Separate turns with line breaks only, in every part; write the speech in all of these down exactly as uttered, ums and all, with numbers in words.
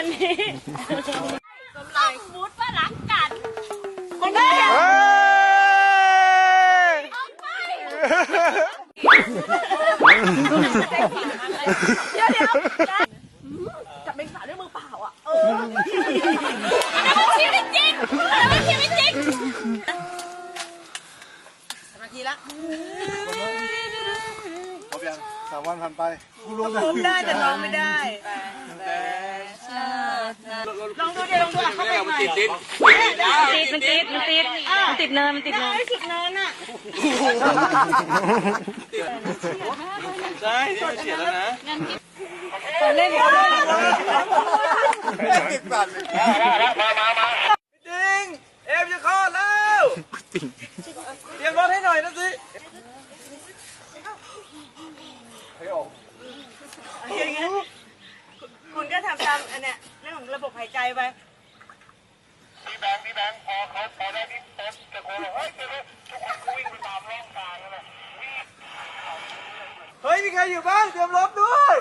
วันนี้ต้องมูดว่ารักกันคนนี้ออกไปเดี๋ยวเดี๋ยวจับเมงสาด้วยมือเปล่าอ่ะเอออันนั้นมันชีวิตจริงอันนั้นมันชีวิตจริงสมาธิละ
พบยังสามวันผ่านไป
ผมได้แต่ร้องไม่ได้ลองดูเดี๋ยวลองดูเข้าไปใหม่ติดมันติดมันติดมันติดมันติดเนินมันติดเนินติดเนินอ่ะ
ใช่นี่มันเฉียดแล้วนะ
เล่น
ติดสั่นมามามาจริงเอฟจะคลอดแล้วเตรียมรถให้หน่อยนะสิ
คุณก็ทำตามอันเนี้ยเรื่องของระบบหายใจไป
พี่แบงค์พี่แบงค์พอเขาพอได้พี่เต็มตะโกนเฮ้ยเฮ้ยทุกคนวิ่งไปตามร่องกายเลยเฮ้ยมีใครอยู่บ้างเตรียมรถด้วย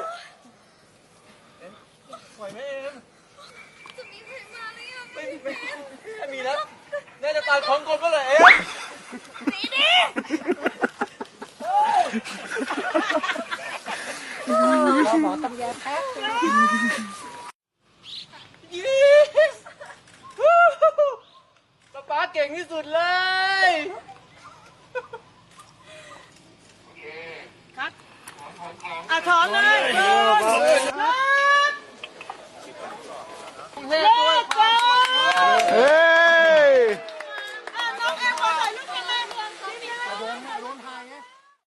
ไหวไหมเอ็มจะมีใครมาหรือยังไม่ไม่ไม่มีแล้วน่าจะตายของคนก็เลยเอ็ม
สีดีหมอตำยาแพ้
ป๊าป๊าเก่งที่สุดเลย
ครับอ่ะถอนเลย